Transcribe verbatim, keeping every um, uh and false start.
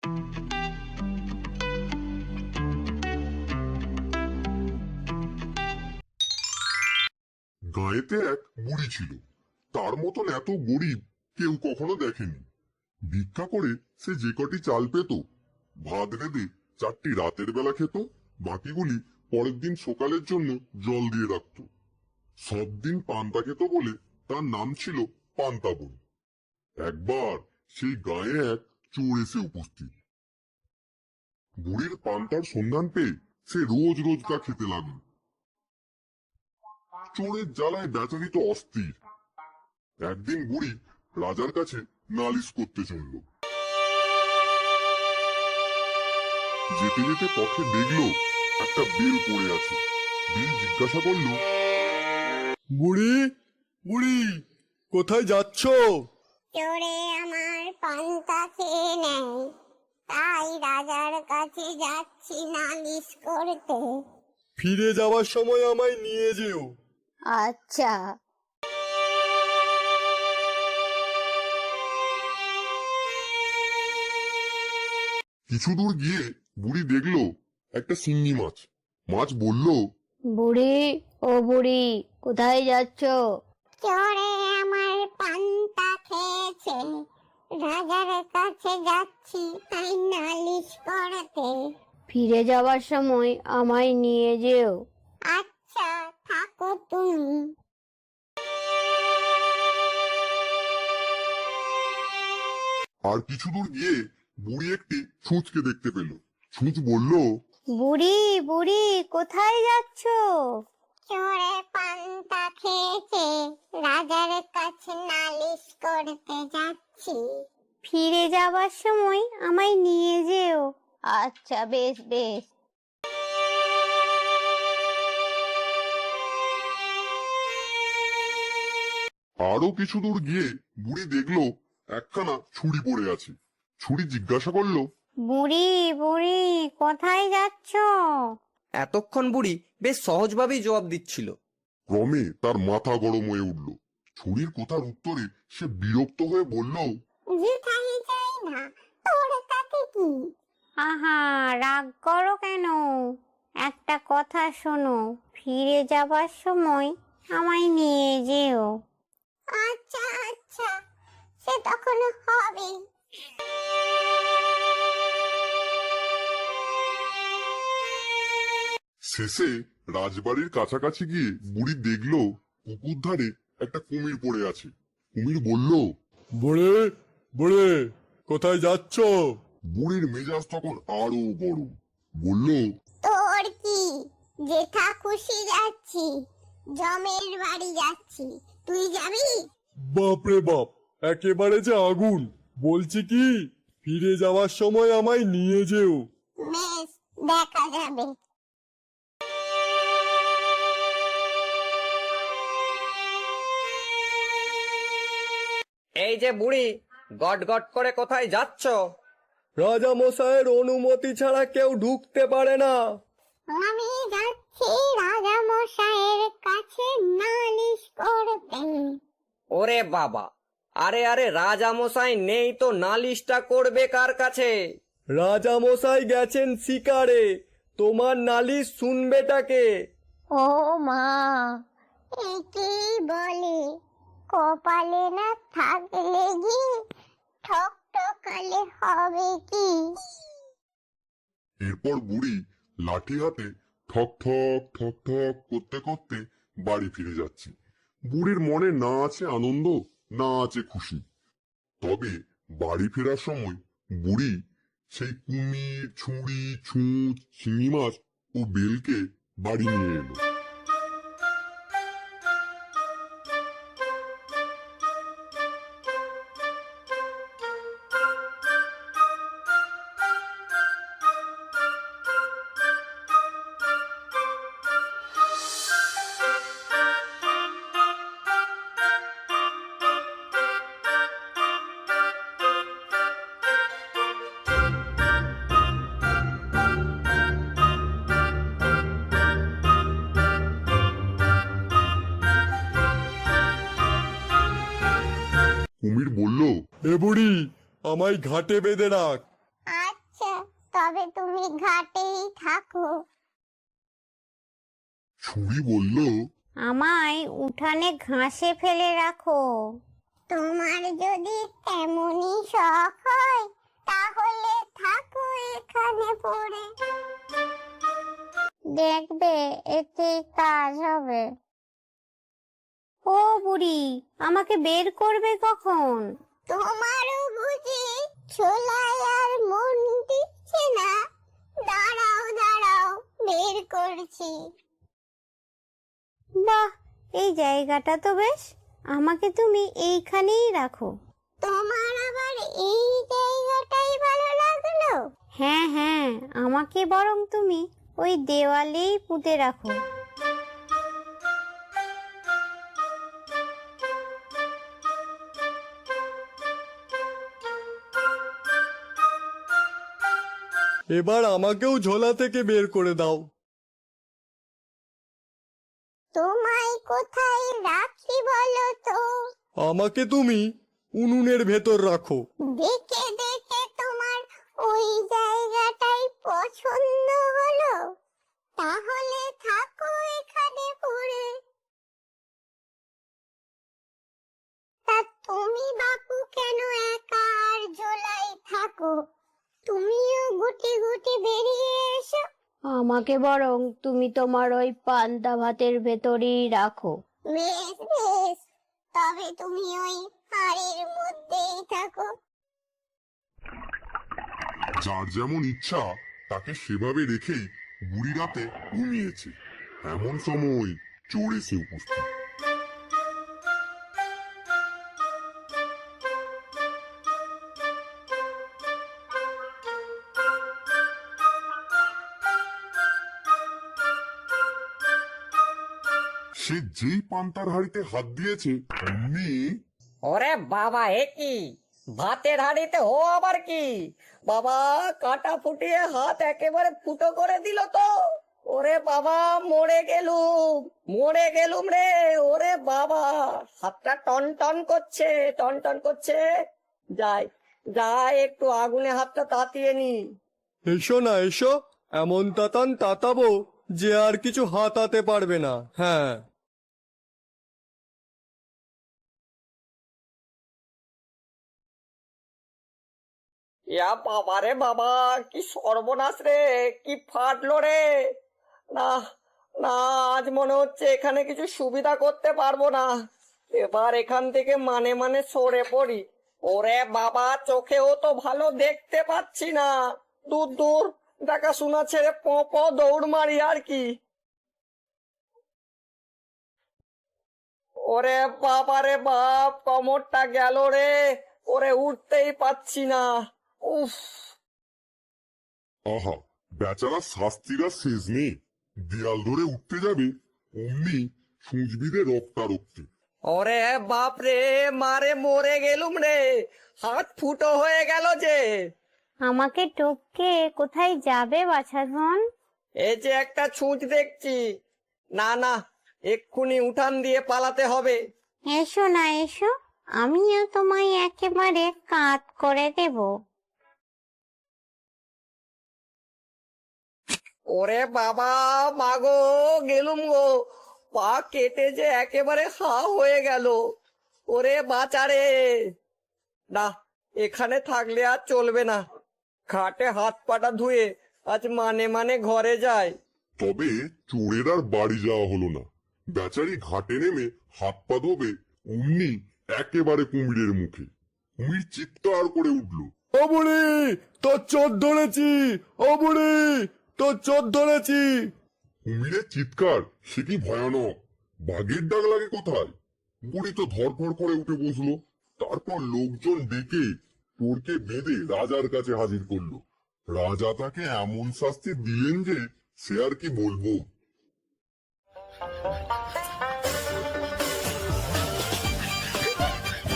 গাঁয়েতে এক বুড়ি ছিল, তার মতন এত গরিব কেউ কখনো দেখেনি। ভিক্ষা করে সে যে কটি চাল পেত, ভাত রেঁধে চারটি রাতের বেলা খেত, বাকিগুলি পরের দিন সকালের জন্য জল দিয়ে রাখত। সব দিন পান্তা খেত বলে তার নাম ছিল পান্তাবন। একবার সেই গায়ে এক চোর এসে উপস্থিত। বুড়ির পান্তার সন্ধান পেয়ে সে রোজ রোজ তা খেতে লাগল। চোরের জ্বালায় বেচারি তো অস্থির। একদিন বুড়ি রাজার কাছে নালিশ করতে চলল। যেতে যেতে পথে দেখলো একটা বেল পড়ে আছে। বেল জিজ্ঞাসা করল, বুড়ি বুড়ি কোথায় যাচ্ছ? চোরে আমার পান্তা খেয়ে নেয়, তাই রাজার কাছে যাচ্ছি নালিশ করতে। ফিরে যাওয়ার সময় আমায় নিয়ে যেও। আচ্ছা। কিছু দূর গিয়ে বুড়ি দেখলো একটা শিঙি মাছ। মাছ বলল, বুড়ি ও বুড়ি কোথায় যাচ্ছ? চোরে আমার পান্তা খেয়েছে, রাজার কাছে যাচ্ছি তাই নালিশ করতে। ফিরে যাওয়ার সময় আমায় নিয়ে যেও। আচ্ছা, থাকো তুমি। আর কিছু দূর গিয়ে বুড়ি একটি ছুঁচকে দেখতে পেল। ছুঁচ বলল, বুড়ি বুড়ি কোথায় যাচ্ছ? চোরে পান্তা খেয়েছে, রাজার কাছে নালিশ করতে যাচ্ছি। ফিরে যাওয়ার সময় আমায় নিয়ে যেও। আচ্ছা, বেশ বেশ। আরো কিছু দূর গিয়ে বুড়ি দেখলো একখানা ছুরি পড়ে আছে। ছুরি জিজ্ঞাসা করলো, বুড়ি বুড়ি কোথায় যাচ্ছ? এতক্ষণ বুড়ি বেশ সহজভাবেই জবাব দিচ্ছিল। ক্রমে তার মাথা গরম হয়ে উঠল। ছুরির কথার উত্তরে সে বিরক্ত হয়ে বলল, যেখানে যাই না, তোর তাতে কি? আহা, রাগ করো কেন? একটা কথা শোনো, ফিরে যাবার সময় আমায় নিয়ে যেও। আচ্ছা আচ্ছা, সে তখন হবে। শেষে রাজবাড়ির কাছাকাছি গিয়ে বুড়ি দেখলো পুকুর ধারে একটা কুমির পড়ে আছে। কুমির বলল, বুড়ি বুড়ি কোথায় যাচ্ছ? বুড়ির মেজাজ তখন আরো গরম। বলল, তোর কি? যেথা খুশি যাচ্ছি, জমের বাড়ি যাচ্ছি, তুই যাবি? বাপরে বাপ, একেবারে যে আগুন। বলছি কি, ফিরে যাওয়ার সময় আমায় নিয়ে যেও। বেশ, দেখা যাবে। এই যে বুড়ি, গট গট করে কোথায় যাচ্ছ? রাজা মশাইয়ের অনুমতি ছাড়া কেউ ঢুকতে পারে না। আমি যাচ্ছি রাজা মশাইয়ের কাছে নালিশ করতে। ওরে বাবা, আরে আরে রাজামশাই নেই তো নালিশটা করবে কার কাছে? রাজা মশাই গেছেন শিকারে, তোমার নালিশ শুনবেটাকে? ও মা, একে বলে কপালে না থাকলে কি ঠক ঠকালে হবে কি? এরপর বুড়ি লাঠি হাতে ঠক ঠক ঠক ঠক করতে করতে বাড়ি ফিরে যাচ্ছে। বুড়ির মনে না আছে আনন্দ, না আছে খুশি। তবে বাড়ি ফেরার সময় বুড়ি সেই কুমির, ছুরি, ছুঁচ, শিঙি মাছ ও বেলকে বাড়ি নিয়ে এলো। কুমির বলল, এ বুড়ি, আমায় ঘাটে বেঁধে রাখ। আচ্ছা। তবে তুমি ঘাটেই থাকো। ছুরি বলল, আমায় উঠানে ঘাসে ফেলে রাখো। তোমার যদি তেমনই শখ হয় তাহলে থাকো এখানে পড়ে। দেখবে এতে কাজ হবে। ও বুড়ি, আমাকে বের করবে কখন? তোমারও বুঝি ছোলায় আর মন দিচ্ছে না? দাঁড়াও দাঁড়াও, বের করছি। বাহ, এই জায়গাটা তো বেশ। আমাকে তুমি এইখানেই রাখো। তোমার আবার এই জায়গাটাই ভালো লাগলো? হ্যাঁ হ্যাঁ, আমাকে বরং তুমি ওই দেওয়ালেই পুঁতে রাখো। এবার আমাকেও ঝোলা থেকে বের করে দাও। তোমায় কোথায় রাখি বলো তো? আমাকে তুমি উনুনের ভেতর রাখো। দেখে দেখে তোমার ওই জায়গাটাই পছন্দ হলো? তাহলে থাকো এখানে পড়ে। তা তুমি বাপু কেন একা আর ঝোলাই থাকো? তুমিও গুটি গুটি বেরিয়ে এসো। আমাকে বরং তুমি তোমার ওই পান্তা ভাতের ভেতরেই রাখো। বেশ বেশ, তবে তুমি ওই হাড়ির মধ্যেই থাকো। যার যেমন ইচ্ছা তাকে সেভাবে রেখেই বুড়ি রাতে ঘুমিয়েছে। এমন সময় চোর এসে উপস্থিত। সে যেই পান্তার হাড়িতে হাত দিয়েছে অমনি ওরে বাবা, এ কি ভাতের হাঁড়িতে ও আবার কি? বাবা, কাটা ফুটিয়ে হাত একেবারে ফুটো করে দিল তো। ওরে বাবা, মরে গেলুম, মরে গেলুম রে। ওরে বাবা, হাতটা টন টন করছে, টন টন করছে। যাই যাই, একটু আগুনে হাতটা তাতিয়ে নি। এসো না এসো, এমন তাতান তাতাবো যে আর কিছু হাতাতে পারবে না। হ্যাঁ, ইয়া বাবা রে বাবা, কি সর্বনাশ রে, কি ফাটলো রে। না না, আজ মনে হচ্ছে এখানে কিছু সুবিধা করতে পারবো না। এবার এখান থেকে মানে মানে সরে পড়ি। ওরে বাবা, চোখেও তো ভালো দেখতে পাচ্ছি না। দূর দূর দেখাশোনা ছেড়ে প প দৌড় মারি আর কি। ওরে বাবা রে বাপ, কোমরটা গেল রে। ওরে উঠতেই পাচ্ছি না। উফ, আহা, বেচারা শাস্তিরা শেষ নেই। দেয়াল ধরে উঠতে যাবে অমনি সুঁচবিদে রক্তারক্তি। ওরে বাপ রে, মারে মরে গেলুম রে। হাত ফুটো হয়ে গেল যে। আমাকে টপকে কোথায় যাবে বাছাধন? এই যে একটা ছুঁচ দেখছি। না না, এক্ষুনি উঠান দিয়ে পালাতে হবে। এসো না এসো, আমিও তোমায় একেবারে কাত করে দেব। ওরে বাবা, মাগো, গেলুম গো। পা কেটে যে একেবারে হা হয়ে গেল। ওরে বাঁচারে। না, এখানে থাকলে আর চলবে না। খাটে হাত পাটা ধুয়ে আজ মানে মানে ঘরে যায়। তবে চোরের আর বাড়ি যাওয়া হলো না। বেচারি ঘাটে নেমে হাত পা ধোবে অমনি একেবারে কুমিরের মুখে। কুমির চিৎকার করে উঠল, ও বুড়ি, তোর চোর ধরেছি। ও বুড়ি, তোর চোর ধরেছি। কুমিরের চিৎকার সে কি ভয়ানক! বাঘের ডাক লাগে কোথায়! বুড়ি তো ধরফর করে উঠে বসলো। তারপর লোকজন ডেকে চোরকে বেঁধে রাজার কাছে হাজির করলো। রাজা তাকে এমন শাস্তি দিলেন যে সে আর কি বলবো।